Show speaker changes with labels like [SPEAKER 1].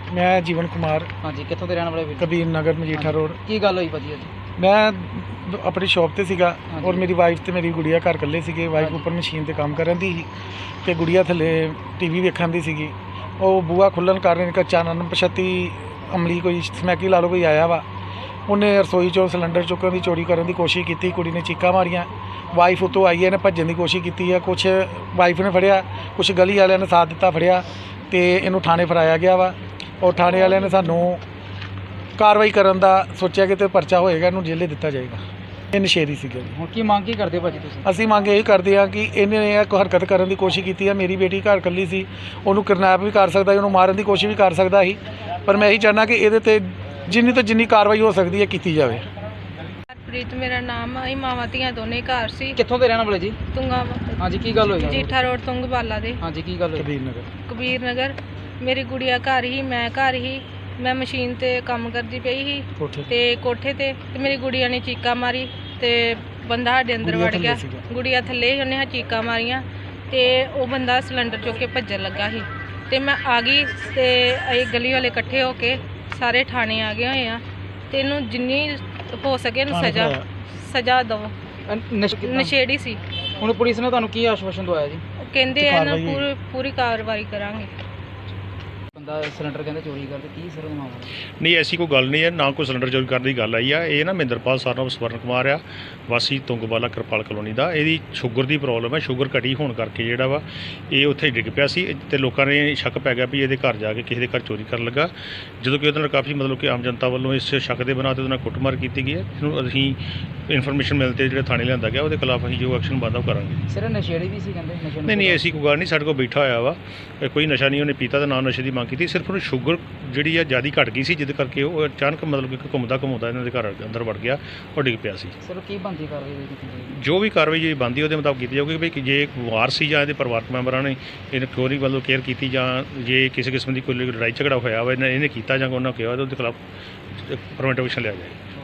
[SPEAKER 1] मैं जीवन कुमार
[SPEAKER 2] हाँ जी, कितों के रहने वाले वीर?
[SPEAKER 1] कबीर नगर मजीठा रोड।
[SPEAKER 2] की गल हुई भाजी अज?
[SPEAKER 1] मैं अपनी शॉप ते सीगा
[SPEAKER 2] हाँ
[SPEAKER 1] और
[SPEAKER 2] जी।
[SPEAKER 1] मेरी वाइफ ते मेरी गुड़िया घर कल्ले सीगे। वाइफ
[SPEAKER 2] हाँ जी।
[SPEAKER 1] उपर मशीन ते काम करन दी सी ते गुड़िया थल्ले टीवी वेखण दी सीगी। ਉਹ ਬੂਆ ਖੁੱਲ੍ਹਣ ਕਾਰਨ ਇੱਕ ਅਚਾਨਕ ਪਛਤੀ ਅਮਲੀ ਕੋਈ ਸਮੈਕੀ ਲਾ ਲਓ ਕੋਈ ਆਇਆ ਵਾ। ਉਹਨੇ ਰਸੋਈ 'ਚੋਂ ਸਿਲੰਡਰ ਚੁੱਕਣ ਦੀ ਚੋਰੀ ਕਰਨ ਦੀ ਕੋਸ਼ਿਸ਼ ਕੀਤੀ। ਕੁੜੀ ਨੇ ਚੀਕਾਂ ਮਾਰੀਆਂ। ਵਾਈਫ ਉੱਤੋਂ ਆਈ ਹੈ, ਇਹਨੇ ਭੱਜਣ ਦੀ ਕੋਸ਼ਿਸ਼ ਕੀਤੀ ਹੈ। ਕੁਛ ਵਾਈਫ ਨੇ ਫੜਿਆ, ਕੁਛ ਗਲੀ ਵਾਲਿਆਂ ਨੇ ਸਾਥ ਦਿੱਤਾ ਫੜਿਆ ਅਤੇ ਇਹਨੂੰ ਥਾਣੇ ਫੜਾਇਆ ਗਿਆ ਵਾ। ਔਰ ਥਾਣੇ ਵਾਲਿਆਂ ਨੇ ਸਾਨੂੰ ਕਾਰਵਾਈ ਕਰਨ ਦਾ ਸੋਚਿਆ ਕਿ ਤੇ ਪਰਚਾ ਹੋਏਗਾ, ਇਹਨੂੰ ਜੇਲੇ ਦਿੱਤਾ ਜਾਏਗਾ। ਇਹ ਨਸ਼ੇੜੀ ਸੀਗਾ ਜੀ।
[SPEAKER 2] ਹੁਣ ਕੀ ਮੰਗ ਕੀ ਕਰਦੇ ਭਾਜੀ ਤੁਸੀਂ?
[SPEAKER 1] ਅਸੀਂ ਮੰਗ ਇਹ ਕਰਦੇ ਹਾਂ ਕਿ ਇਹਨੇ ਇਹ ਹਰਕਤ ਕਰਨ ਦੀ ਕੋਸ਼ਿਸ਼ ਕੀਤੀ ਹੈ। ਮੇਰੀ ਬੇਟੀ ਘਰ ਇਕੱਲੀ ਸੀ, ਉਹਨੂੰ ਕਿਡਨੈਪ ਵੀ ਕਰ ਸਕਦਾ ਸੀ, ਉਹਨੂੰ ਮਾਰਨ ਦੀ ਕੋਸ਼ਿਸ਼ ਵੀ ਕਰ ਸਕਦਾ ਸੀ। ਪਰ ਮੈਂ ਇਹੀ ਚਾਹੁੰਦਾ ਕਿ ਇਹਦੇ 'ਤੇ ਜਿੰਨੀ ਤੋਂ ਜਿੰਨੀ ਕਾਰਵਾਈ ਹੋ ਸਕਦੀ ਹੈ ਕੀਤੀ ਜਾਵੇ।
[SPEAKER 3] ਪ੍ਰੀਤ ਮੇਰਾ ਨਾਮ ਹੈ। ਮਾਵਾਂ ਧੀਆਂ ਦੋਨੇ ਘਰ ਸੀ।
[SPEAKER 2] ਕਿੱਥੋਂ ਦੇ ਰਹਿਣ ਵਾਲੇ ਜੀ?
[SPEAKER 3] ਤੁੰਗਾ
[SPEAKER 2] हाँ जी, की गल हुई?
[SPEAKER 3] ਮਜੀਠਾ ਰੋਡ ਤੁੰਗਵਾਲਾ ਦੇ
[SPEAKER 2] हाँ जी, की गल हुई?
[SPEAKER 1] ਕਬੀਰ ਨਗਰ।
[SPEAKER 3] ਕਬੀਰ ਨਗਰ। ਮੇਰੀ ਗੁੜੀਆ ਘਰ ਹੀ, ਮੈਂ ਘਰ ਹੀ। ਮੈਂ ਮਸ਼ੀਨ ਤੇ ਕੰਮ ਕਰਦੀ ਪਈ ਸੀ
[SPEAKER 1] ਕੋਠੇ
[SPEAKER 3] ਤੇ ਕੋਠੇ ਤੇ ਮੇਰੀ ਗੁੜੀਆ ਨੇ ਚੀਕਾਂ ਮਾਰੀ ਤੇ ਬੰਦਾ ਸਾਡੇ ਅੰਦਰ
[SPEAKER 1] ਗੁੜੀਆ
[SPEAKER 3] ਵੜ
[SPEAKER 1] ਥੱਲੇ
[SPEAKER 3] ਗਿਆ।
[SPEAKER 1] ਸੀਗਾ।
[SPEAKER 3] ਗੁੜੀਆ ਥੱਲੇ ਹੀ, ਉਹਨੇ ਚੀਕਾਂ ਮਾਰੀਆਂ ਤੇ ਉਹ ਬੰਦਾ ਸਿਲੰਡਰ ਚੁੱਕ ਕੇ ਭੱਜਣ ਲੱਗਾ ਸੀ ਤੇ ਮੈਂ ਆ ਗਈ ਤੇ ਅਸੀਂ ਗਲੀ ਵਾਲੇ ਇਕੱਠੇ ਹੋ ਕੇ ਸਾਰੇ ਥਾਣੇ ਆ ਗਏ ਹੋਏ ਆ ਤੇ ਇਹਨੂੰ ਜਿੰਨੀ ਹੋ ਸਕੇ ਇਹਨੂੰ
[SPEAKER 1] ਥਾਣੇ
[SPEAKER 3] ਸਜ਼ਾ
[SPEAKER 1] ਫੜਾਇਆ।
[SPEAKER 3] ਸਜ਼ਾ ਦਿਓ।
[SPEAKER 2] ਨਸ਼ੇ
[SPEAKER 3] ਨਸ਼ੇੜੀ ਸੀ।
[SPEAKER 2] ਹੁਣ ਪੁਲਿਸ ਨੇ ਤੁਹਾਨੂੰ ਕੀ ਆਸ਼ਵਾਸਨ ਦਵਾਇਆ ਜੀ?
[SPEAKER 3] ਉਹ ਕਹਿੰਦੇ
[SPEAKER 1] ਤੇ
[SPEAKER 3] ਆ ਨਾ
[SPEAKER 1] ਕਾਰਵਾਈ
[SPEAKER 3] ਪੂਰੀ ਕਾਰਵਾਈ ਕਰਾਂਗੇ।
[SPEAKER 2] ਬੰਦਾ ਸਿਲੰਡਰ ਕਹਿੰਦੇ ਚੋਰੀ ਕਰਦੇ, ਕੀ ਸਰ ਮਾਮਲਾ?
[SPEAKER 4] ਨਹੀਂ ਐਸੀ ਕੋਈ ਗੱਲ ਨਹੀਂ ਹੈ, ਨਾ ਕੋਈ ਸਿਲੰਡਰ ਚੋਰੀ ਕਰਨ ਦੀ ਗੱਲ ਆਈ ਆ। ਇਹ ਨਾ ਮਹਿੰਦਰਪਾਲ ਸਰਨਾਮ ਸਵਰਨ ਕੁਮਾਰ ਆ, ਵਾਸੀ ਤੁੰਗਵਾਲਾ ਕਿਰਪਾਲ ਕਲੋਨੀ ਦਾ। ਇਹਦੀ ਸ਼ੂਗਰ ਦੀ ਪ੍ਰੋਬਲਮ ਹੈ। ਸ਼ੂਗਰ ਘਟੀ ਹੋਣ ਕਰਕੇ ਜਿਹੜਾ ਵਾ ਇਹ ਉੱਥੇ ਡਿੱਗ ਪਿਆ ਸੀ ਤੇ ਲੋਕਾਂ ਨੇ ਸ਼ੱਕ ਪੈ ਗਿਆ ਵੀ ਇਹਦੇ ਘਰ ਜਾ ਕੇ ਕਿਸੇ ਦੇ ਘਰ ਚੋਰੀ ਕਰਨ ਲੱਗਾ। ਜਦੋਂ ਕਿ ਉਹਦੇ ਨਾਲ ਕਾਫੀ ਮਤਲਬ ਕਿ ਆਮ ਜਨਤਾ ਵੱਲੋਂ ਇਸ ਸ਼ੱਕ ਦੇ ਬਣਾ 'ਤੇ ਉਹਦੇ ਨਾਲ ਕੁੱਟਮਾਰ ਕੀਤੀ ਗਈ ਹੈ। ਇਹਨੂੰ ਅਸੀਂ ਇਨਫੋਰਮੇਸ਼ਨ ਮਿਲ 'ਤੇ ਜਿਹੜੇ ਥਾਣੇ ਲਿਆਂਦਾ ਗਿਆ ਉਹਦੇ ਖਿਲਾਫ ਅਸੀਂ ਜੋ ਐਕਸ਼ਨ ਬਣਦਾ ਉਹ ਕਰਾਂਗੇ।
[SPEAKER 2] ਸਿਰ ਨਸ਼ੇੜੀ ਵੀ ਸੀ ਕਹਿੰਦੇ? ਨਸ਼ੇ
[SPEAKER 4] ਨਹੀਂ ਐਸੀ ਕੋਈ ਗੱਲ ਨਹੀਂ, ਸਾਡੇ ਕੋਲ ਬੈਠਾ ਹੋਇਆ ਵਾ। ਕੋਈ ਨਸ਼ਾ ਨਹੀਂ ਉਹਨੇ ਪੀਤਾ ਤੇ ਨਾ ਨਸ਼ੇ ਦੀ ਮੰਗ ਕੀਤੀ। ਸਿਰਫ ਉਹਨੂੰ ਸ਼ੂਗਰ ਜਿਹੜੀ ਆ ਜ਼ਿਆਦਾ ਘਟ ਗਈ ਸੀ, ਜਿਹਦੇ ਕਰਕੇ ਉਹ ਅਚਾਨਕ ਮਤਲਬ ਕਿ ਘੁੰਮਦਾ ਇਹਨਾਂ ਦੇ ਘਰ ਅੰਦਰ ਵੜ ਗਿਆ ਔਰ ਡਿੱਗ ਪਿਆ ਸੀ।
[SPEAKER 2] ਸਿਰ ਕੀ ਬੰਦੀ ਕਰ ਰਹੀ ਹੈ?
[SPEAKER 4] ਜੋ ਵੀ ਕਾਰਵਾਈ ਜਿਹੜੀ ਬਣਦੀ ਉਹਦੇ ਮੁਤਾਬਕ ਕੀਤੀ ਜਾਊਗੀ ਵੀ ਜੇ ਵਾਰ ਸੀ ਜਾਂ ਇਹਦੇ ਪਰਿਵਾਰਕ ਮੈਂਬਰਾਂ ਨੇ ਇਹਨੂੰ ਕਿਉਂ ਨਹੀਂ ਵੱਲੋਂ ਕੇਅਰ ਕੀਤੀ ਜਾਂ ਜੇ ਕਿਸੇ ਕਿਸਮ ਦੀ ਕੋਈ ਲੜਾਈ ਝਗੜਾ ਹੋਇਆ ਵਾ ਇਹਨੇ ਕੀਤਾ ਜਾਂ ਉਹਨਾਂ ਕਿਹਾ ਉਹਦੇ ਖਿਲਾਫ ਪ੍ਰੀਵੈਂਟਿਵ ਐਕਸ਼ਨ ਲਿਆ ਜਾਏ।